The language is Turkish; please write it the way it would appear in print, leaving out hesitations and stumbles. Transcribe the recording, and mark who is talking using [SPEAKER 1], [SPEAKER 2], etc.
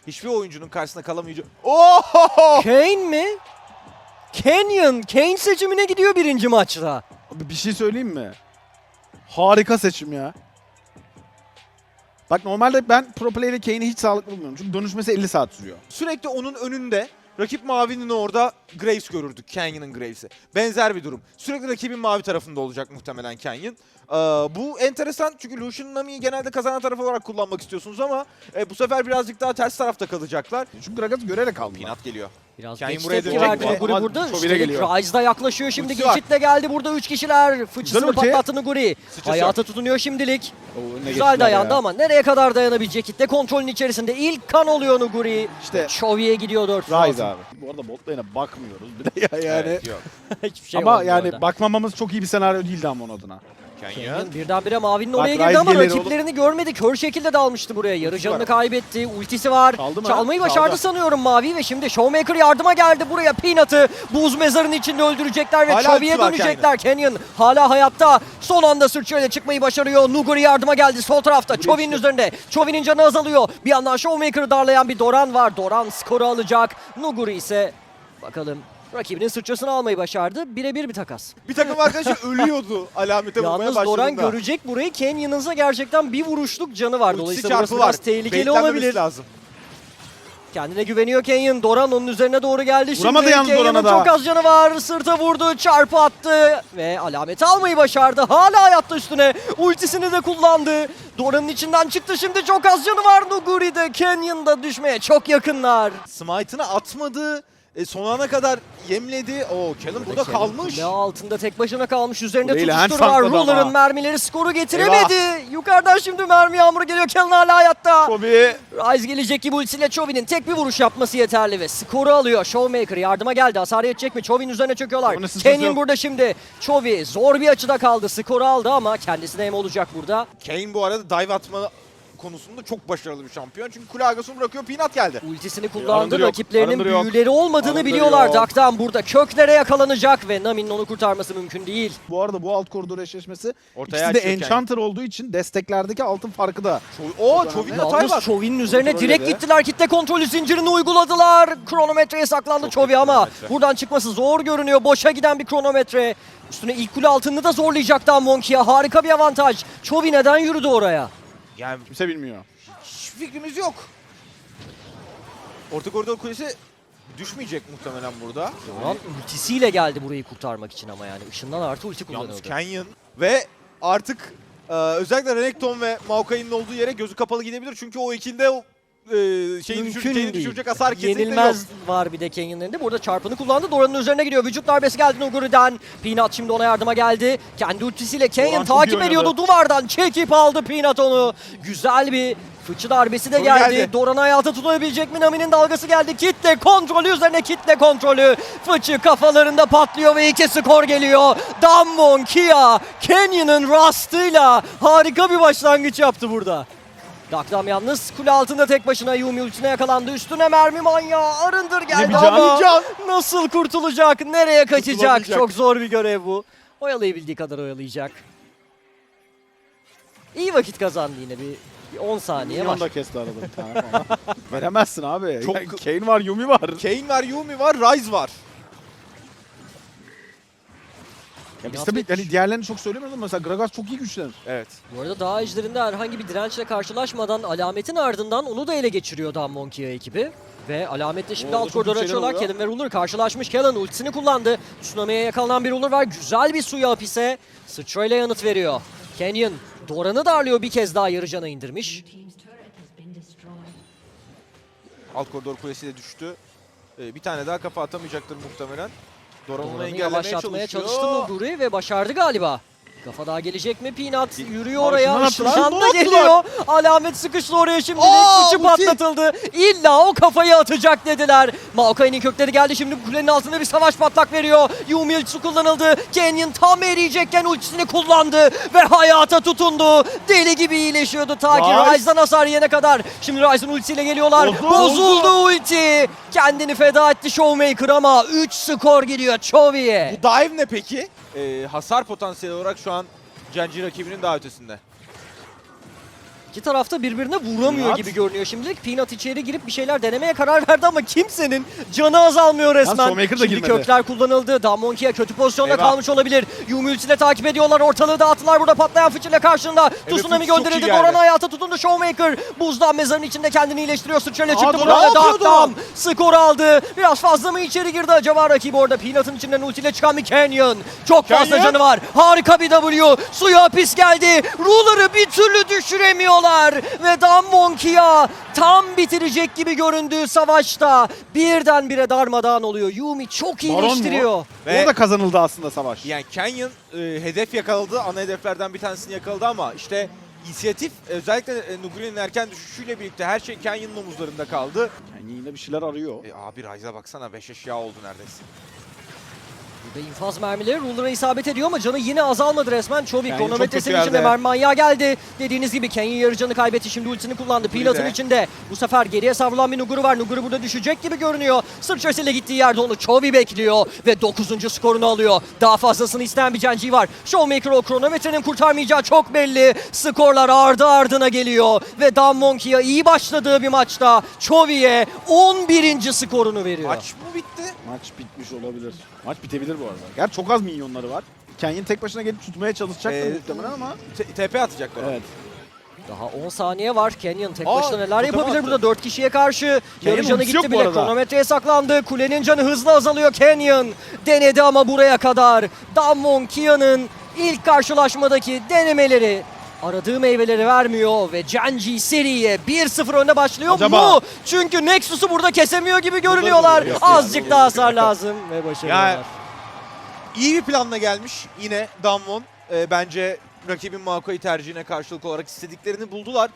[SPEAKER 1] Hiçbir oyuncunun karşısına kalamayacak. Oho!
[SPEAKER 2] Kayn mi? Canyon. Kayn seçimine gidiyor birinci maçta.
[SPEAKER 3] Abi bir şey söyleyeyim mi? Harika seçim ya. Bak normalde ben pro play'de Kane'i hiç sağlıklı bulmuyorum. Çünkü dönüşmesi 50 saat sürüyor.
[SPEAKER 1] Sürekli onun önünde rakip mavinin orada Graves görürdük. Canyon'ın Graves'i. Benzer bir durum. Sürekli rakibin mavi tarafında olacak muhtemelen Canyon. Bu enteresan çünkü Lucian Nami'yi genelde kazanan taraf olarak kullanmak istiyorsunuz ama bu sefer birazcık daha ters tarafta kalacaklar.
[SPEAKER 3] Çünkü Gragas'ı görerek aldılar.
[SPEAKER 1] Pinat geliyor.
[SPEAKER 2] Biraz
[SPEAKER 1] Kayn
[SPEAKER 2] geç
[SPEAKER 1] buraya
[SPEAKER 2] tepki
[SPEAKER 1] dönecek
[SPEAKER 2] verdi
[SPEAKER 1] mi?
[SPEAKER 2] Nuguri
[SPEAKER 3] Ama
[SPEAKER 2] burada.
[SPEAKER 3] Chauvin'e
[SPEAKER 2] Üstelik
[SPEAKER 3] geliyor.
[SPEAKER 2] Ryze da yaklaşıyor şimdi.
[SPEAKER 1] Ultisi var.
[SPEAKER 2] Geçit de geldi burada 3 kişiler. Fıçısını
[SPEAKER 3] ulti.
[SPEAKER 2] patlattı Nuguri.
[SPEAKER 1] Sıçrası
[SPEAKER 2] Hayata tutunuyor şimdilik.
[SPEAKER 3] Oo, önüne
[SPEAKER 2] Güzel
[SPEAKER 3] geçtiler
[SPEAKER 2] dayandı
[SPEAKER 3] ya.
[SPEAKER 2] ama nereye kadar dayanabilecek? Kitle kontrolün içerisinde ilk kan oluyor Nuguri.
[SPEAKER 3] İşte
[SPEAKER 2] Chovy gidiyor 4.
[SPEAKER 3] Ryze abi. Bu arada bot lane'e bakmıyoruz bir de ya yani.
[SPEAKER 1] Evet, yok.
[SPEAKER 2] Hiçbir şey
[SPEAKER 3] ama
[SPEAKER 2] olmuyor
[SPEAKER 3] yani
[SPEAKER 2] orada.
[SPEAKER 3] bakmamamız çok iyi bir senaryo değildi ama onun adına.
[SPEAKER 1] Canyon.
[SPEAKER 2] Canyon birdenbire mavinin
[SPEAKER 3] Bak,
[SPEAKER 2] oraya girdi
[SPEAKER 3] Ryze
[SPEAKER 2] ama
[SPEAKER 3] gelir
[SPEAKER 2] rakiplerini görmedi. Kör şekilde dalmıştı buraya. Yarı canını
[SPEAKER 1] var.
[SPEAKER 2] kaybetti. Ultisi var.
[SPEAKER 3] Çaldı mı?
[SPEAKER 2] Çalmayı
[SPEAKER 3] Çaldı.
[SPEAKER 2] başardı sanıyorum Mavi ve şimdi Showmaker yardıma geldi buraya. Peanut'ı buz mezarının içinde öldürecekler ve
[SPEAKER 1] Hala
[SPEAKER 2] Chovy'ye
[SPEAKER 1] ultisi var
[SPEAKER 2] dönecekler. Canyon hala hayatta. Son anda sırtçıyla çıkmayı başarıyor. Nuguri yardıma geldi sol tarafta. Chovy'nin üzerinde. Chovy'nin canı azalıyor. Bir yandan Showmaker'ı darlayan bir Doran var. Doran skoru alacak. Nuguri ise bakalım rakibinin sırtçısını almayı başardı. Birebir bir takas.
[SPEAKER 1] Bir takım arkadaşı ölüyordu alamete vurmaya
[SPEAKER 2] Yalnız
[SPEAKER 1] başladığında.
[SPEAKER 2] Doran görecek burayı. Canyon'ınsa gerçekten bir vuruşluk canı var.
[SPEAKER 1] Ultisi
[SPEAKER 2] Dolayısıyla
[SPEAKER 1] çarpı
[SPEAKER 2] burası
[SPEAKER 1] var.
[SPEAKER 2] biraz tehlikeli
[SPEAKER 1] Baitlenmemesi
[SPEAKER 2] olabilir.
[SPEAKER 1] lazım.
[SPEAKER 2] Kendine güveniyor Canyon. Doran onun üzerine doğru geldi. Şimdi
[SPEAKER 3] Vuramadı yalnız
[SPEAKER 2] Canyon'un
[SPEAKER 3] Doran'a da.
[SPEAKER 2] çok az canı var. Sırta vurdu. Çarpı attı. Ve alameti almayı başardı. Hala hayatta üstüne. Ultisini de kullandı. Doran'ın içinden çıktı. Şimdi çok az canı var Nuguri'de. Canyon'da düşmeye çok yakınlar.
[SPEAKER 1] Smite'ını atmadı. Son ana kadar yemledi. Callum burada kalmış.
[SPEAKER 2] Kule altında tek başına kalmış. Üzerinde
[SPEAKER 3] Kuleyle hand
[SPEAKER 2] tutuştur var.
[SPEAKER 3] sakladı ama.
[SPEAKER 2] Ruler'ın mermileri skoru getiremedi. Yukarıdan şimdi mermi yağmuru geliyor. Callum hala hayatta.
[SPEAKER 3] Kobe.
[SPEAKER 2] Ryze gelecek gibi ultisiyle Chovy'nin tek bir vuruş yapması yeterli ve skoru alıyor. Showmaker yardıma geldi. Hasar yetecek mi? Chovy'nin üzerine çöküyorlar.
[SPEAKER 3] Onun sıçrası
[SPEAKER 2] Canyon
[SPEAKER 3] yok.
[SPEAKER 2] burada şimdi. Chovy zor bir açıda kaldı. Skoru aldı ama kendisine hem olacak burada.
[SPEAKER 1] Kane bu arada dive atma konusunda çok başarılı bir şampiyon. Çünkü kule arkasını bırakıyor. Peanut geldi.
[SPEAKER 2] Ultisini kullandı.
[SPEAKER 3] Arındır yok,
[SPEAKER 2] Rakiplerinin
[SPEAKER 3] arındır yok.
[SPEAKER 2] büyüleri olmadığını
[SPEAKER 3] Arındır
[SPEAKER 2] biliyorlar.
[SPEAKER 3] yok.
[SPEAKER 2] Dark'tan burada köklere yakalanacak ve Nami'nin onu kurtarması mümkün değil.
[SPEAKER 3] Bu arada bu alt koridor eşleşmesi
[SPEAKER 1] Ortaya
[SPEAKER 3] ikisi de
[SPEAKER 1] açıyor
[SPEAKER 3] Enchanter olduğu için desteklerdeki altın farkı da.
[SPEAKER 1] Chovy'nin hatayı
[SPEAKER 2] Yalnız
[SPEAKER 1] var.
[SPEAKER 2] Chovy'nin üzerine
[SPEAKER 3] Kontrol
[SPEAKER 2] direkt
[SPEAKER 3] yedi.
[SPEAKER 2] gittiler. Kitle kontrolü zincirini uyguladılar. Kronometreye saklandı
[SPEAKER 1] Çok
[SPEAKER 2] Chovy
[SPEAKER 1] iyi
[SPEAKER 2] ama
[SPEAKER 1] kronometre.
[SPEAKER 2] buradan çıkması zor görünüyor. Boşa giden bir kronometre. Üstüne ilk kule altını da zorlayacak Monkey'e. Harika bir avantaj. Chovy neden yürüdü oraya?
[SPEAKER 1] Yani
[SPEAKER 3] Kimse bilmiyor.
[SPEAKER 1] hiç fikrimiz yok. Orta koridor kulesi düşmeyecek muhtemelen burada.
[SPEAKER 2] Doran ultisiyle geldi burayı kurtarmak için ama yani ışından artı ulti
[SPEAKER 1] Yalnız
[SPEAKER 2] kullanıyordu.
[SPEAKER 1] Canyon ve artık özellikle Renekton ve Maokai'nin olduğu yere gözü kapalı gidebilir. Çünkü o ikinde
[SPEAKER 2] Mümkün
[SPEAKER 1] düşürecek hasar kesinlikle
[SPEAKER 2] Yenilmez
[SPEAKER 1] yok.
[SPEAKER 2] var bir de Canyon'ın elinde. Burada çarpını kullandı. Doran'ın üzerine gidiyor. Vücut darbesi geldi Nuguri'den. Peanut şimdi ona yardıma geldi. Kendi ultisiyle Canyon
[SPEAKER 3] Doran çok iyi
[SPEAKER 2] takip
[SPEAKER 3] oynadı.
[SPEAKER 2] ediyordu. Duvardan çekip aldı Peanut onu. Güzel bir fıçı darbesi de
[SPEAKER 1] Doğru
[SPEAKER 2] geldi.
[SPEAKER 1] geldi.
[SPEAKER 2] Doran'ı hayata tutabilecek mi? Nami'nin dalgası geldi. Kitle kontrolü üzerine kitle kontrolü. Fıçı kafalarında patlıyor ve 2 skor geliyor. Dammon Kia Canyon'ın Rust'ıyla harika bir başlangıç yaptı burada. Dakdam yalnız kule altında tek başına Yumi ultisine yakalandı. Üstüne mermi manyağı Arındır geldi
[SPEAKER 3] bir can,
[SPEAKER 2] ama
[SPEAKER 3] bir can.
[SPEAKER 2] nasıl kurtulacak? Nereye kaçacak?
[SPEAKER 1] Kurtulamayacak.
[SPEAKER 2] Çok zor bir görev bu. Oyalayabildiği kadar oyalayacak. İyi vakit kazandı yine bir 10 saniye
[SPEAKER 3] Minyon
[SPEAKER 2] var.
[SPEAKER 3] da kesti arada bir tane falan. Veremezsin abi.
[SPEAKER 1] Çok-
[SPEAKER 3] Yani Kane var, Yumi var.
[SPEAKER 1] Kane var, Yumi var, Ryze var.
[SPEAKER 3] Ya biz tabii hani diğerlerini çok söylemiyoruz ama mesela Gragas çok iyi güçlenir.
[SPEAKER 1] Evet.
[SPEAKER 2] Bu arada dağ ejderinde herhangi bir dirençle karşılaşmadan alametin ardından onu da ele geçiriyor Dammon Kia ekibi. Ve alametle şimdi
[SPEAKER 3] Oo,
[SPEAKER 2] alt
[SPEAKER 3] çok
[SPEAKER 2] koridoru
[SPEAKER 3] güzel
[SPEAKER 2] açıyorlar.
[SPEAKER 3] oluyor.
[SPEAKER 2] Kellen ve Ruler karşılaşmış. Kellen ultisini kullandı. Tsunami'ye yakalanan bir Ruler var. Güzel bir suya hapise. Sıçrayla yanıt veriyor. Canyon Doran'ı darlıyor, bir kez daha yarı cana indirmiş.
[SPEAKER 1] Alt koridor kulesi de düştü. Bir tane daha kafa atamayacaktır muhtemelen. Doran onu
[SPEAKER 2] Doran'ı
[SPEAKER 1] engellemeye
[SPEAKER 2] yavaşlatmaya
[SPEAKER 1] çalışıyor.
[SPEAKER 2] çalıştı Nuguri ve başardı galiba. Kafa daha gelecek mi? Peanut yürüyor
[SPEAKER 3] Abi
[SPEAKER 2] oraya.
[SPEAKER 3] şundan attılar,
[SPEAKER 2] Işınlan da
[SPEAKER 3] şundan
[SPEAKER 2] geliyor. Alamet sıkıştı oraya şimdi. Fıçı
[SPEAKER 1] ulti.
[SPEAKER 2] patlatıldı. İlla o kafayı atacak dediler. Maokai'nin kökleri geldi şimdi. Kulenin altında bir savaş patlak veriyor. Yumi ultisi kullanıldı. Canyon tam eriyecekken ultisini kullandı. Ve hayata tutundu. Deli gibi iyileşiyordu ta ki
[SPEAKER 3] Ryze.
[SPEAKER 2] Ryze'dan hasar yiyene kadar. Şimdi Ryze'ın ultisiyle geliyorlar.
[SPEAKER 3] Bozuldu.
[SPEAKER 2] Bozuldu ulti. Kendini feda etti Showmaker ama 3 skor gidiyor Chovy'ye.
[SPEAKER 1] Bu dive ne peki? Hasar potansiyeli olarak şu an Genji rakibinin daha ötesinde.
[SPEAKER 2] İki tarafta birbirine vuramıyor
[SPEAKER 3] Peanut.
[SPEAKER 2] gibi görünüyor şimdilik. Peanut içeri girip bir şeyler denemeye karar verdi ama kimsenin canı azalmıyor resmen.
[SPEAKER 3] Showmaker da
[SPEAKER 2] Şimdi
[SPEAKER 3] girmedi.
[SPEAKER 2] kökler kullanıldı. Damonki'ye kötü pozisyonda
[SPEAKER 1] Eyvah.
[SPEAKER 2] kalmış olabilir. Yumi ultiyle takip ediyorlar. Ortalığı dağıttılar. Burada patlayan fıçıyla karşında. Tsunami
[SPEAKER 1] Fıçı çok iyi
[SPEAKER 2] gönderildi.
[SPEAKER 1] geldi.
[SPEAKER 2] Doran hayata tutundu. Showmaker buzdan mezarın içinde kendini iyileştiriyor. Sıçrayla
[SPEAKER 3] Aa,
[SPEAKER 2] çıktı
[SPEAKER 3] Doran,
[SPEAKER 2] burada.
[SPEAKER 1] ne yapıyor
[SPEAKER 2] Dark'tan
[SPEAKER 1] Doran?
[SPEAKER 2] skor aldı. Biraz fazla mı içeri girdi acaba rakibi orada? Peanut'ın içinden ultiyle çıkan bir Canyon. Çok fazla
[SPEAKER 1] Canyon.
[SPEAKER 2] canı var. Harika bir W. Suya hapis geldi. Ruler'ı bir türlü düşüremiyorlar. Ve Damonkia tam bitirecek gibi göründüğü savaşta birdenbire darmadağın oluyor. Yumi çok
[SPEAKER 3] Baron mu?
[SPEAKER 2] iyileştiriyor.
[SPEAKER 1] Ve-
[SPEAKER 3] Orada kazanıldı aslında savaş.
[SPEAKER 1] Yani Canyon hedef yakaladı. Ana hedeflerden bir tanesini yakaladı ama işte inisiyatif özellikle Nuguri'nin erken düşüşüyle birlikte her şey Canyon'un omuzlarında kaldı.
[SPEAKER 3] Yani yine bir şeyler arıyor.
[SPEAKER 1] Abi Ryze'a baksana 5 eşya oldu neredeyse.
[SPEAKER 2] Burada infaz mermileri Ruler'a isabet ediyor ama canı yine azalmadı resmen. Chovy
[SPEAKER 1] Yani
[SPEAKER 2] kronometresinin
[SPEAKER 1] çok kötü
[SPEAKER 2] içinde
[SPEAKER 1] yerde.
[SPEAKER 2] mermi manyağı geldi. Dediğiniz gibi Canyon yarı canı kaybetti. Şimdi ultisini kullandı.
[SPEAKER 1] Nuguri
[SPEAKER 2] Peanut'ın
[SPEAKER 1] de.
[SPEAKER 2] içinde. Bu sefer geriye savrulan bir Nuguri var. Nuguri burada düşecek gibi görünüyor. Sıçrasıyla gittiği yerde onu Chovy bekliyor. Ve 9. skorunu alıyor. Daha fazlasını isteyen bir Genji var. Showmaker o kronometrenin kurtarmayacağı çok belli. Skorlar ardı ardına geliyor. Ve Damonkia iyi başladığı bir maçta Chovy'ye 11. skorunu veriyor.
[SPEAKER 1] Maç mı bitti?
[SPEAKER 3] Maç bitmiş olabilir. Maç bitebilir bu arada. Gerçi çok az minyonları var. Canyon tek başına gelip tutmaya çalışacaktır muhtemelen ama.
[SPEAKER 1] TP atacaklar.
[SPEAKER 3] Evet.
[SPEAKER 2] Daha 10 saniye var. Canyon tek
[SPEAKER 1] Aa,
[SPEAKER 2] başına neler
[SPEAKER 1] totem
[SPEAKER 2] yapabilir
[SPEAKER 1] attı.
[SPEAKER 2] burada 4 kişiye karşı. Yarı canı
[SPEAKER 3] ultisi yok
[SPEAKER 2] gitti
[SPEAKER 3] bu
[SPEAKER 2] bile.
[SPEAKER 3] arada.
[SPEAKER 2] Kronometreye saklandı. Kulenin canı hızla azalıyor. Canyon denedi ama buraya kadar. Damonkia'nın ilk karşılaşmadaki denemeleri aradığı meyveleri vermiyor ve Genji seriye 1-0 önde başlıyor
[SPEAKER 3] Acaba?
[SPEAKER 2] mu? Çünkü Nexus'u burada kesemiyor gibi görünüyorlar.
[SPEAKER 1] duruyor.
[SPEAKER 2] Azıcık daha hasar lazım ve başarıyorlar.
[SPEAKER 1] Ya, İyi bir planla gelmiş yine Damwon. Bence rakibin Maokai tercihine karşılık olarak istediklerini buldular.